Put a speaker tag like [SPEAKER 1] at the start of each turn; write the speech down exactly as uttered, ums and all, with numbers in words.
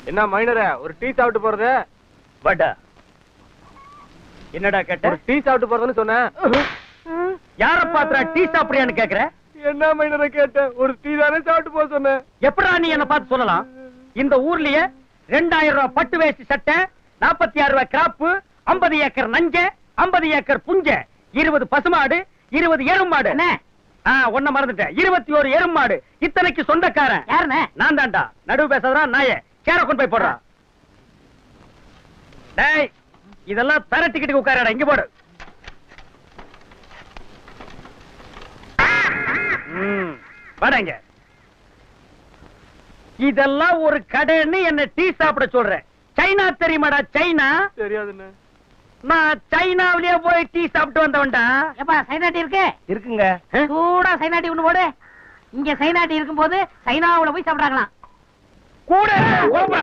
[SPEAKER 1] என்ன மைனர ஒரு டீ சாப்பிட்டு போறது?
[SPEAKER 2] வாடா. என்னடா கேட்ட?
[SPEAKER 1] ஒரு டீ சாப்பிட்டு போறதுன்னு சொன்னேன்.
[SPEAKER 2] யார பாத்துறா டீ சாப்பிடுறியான்னு கேக்குற?
[SPEAKER 1] என்ன மைனர கேட்ட? ஒரு டீ தானே சாப்பிட்டு போக சொன்னேன்.
[SPEAKER 2] எப்படா நீ என்ன பார்த்து சொல்லலாம்? இந்த ஊர்லயே ரெண்டாயிரம் ரூபாய் பட்டு வேஷ்டி சட்டை, நாற்பத்தி ஆறு ரூபாய் கிராப்பு, ஐம்பது ஏக்கர் நஞ்ச, ஐம்பது ஏக்கர் புஞ்ச, இருபது பசுமாடு, இருபது எருமாடு. ஒன்ன மறந்துட்டேன், இருபத்தி ஒரு எருமாடு. இத்தனைக்கு சொந்தக்காரன் யாருன்னு? நான் தான்டா. நடுவு பேசாதடா நாயே. சேர கொண்டு போய் போடுறா. டேய், இதெல்லாம் தர டிக்கெட்டுக்கு உட்காரடா. இங்க போடு. வாடங்க. இதெல்லாம் ஒரு கடைன்னு என்ன டீ சாப்பிட சொல்றேன். சைனா தெரியுமாடா? சைனா
[SPEAKER 1] தெரியாதுன்னு.
[SPEAKER 2] நான் சைனாவிலேயே போய் டீ சாப்பிட்டு வந்தவன்டா.
[SPEAKER 3] எப்பா சைனா டீ இருக்கு?
[SPEAKER 2] இருக்குங்க.
[SPEAKER 3] சூடா சைனா டீ ஒண்ணு போடு. இங்க சைனா டீ இருக்கும் போது சைனாவுல போய் சாப்பிடுறாங்களாம்.
[SPEAKER 2] கூட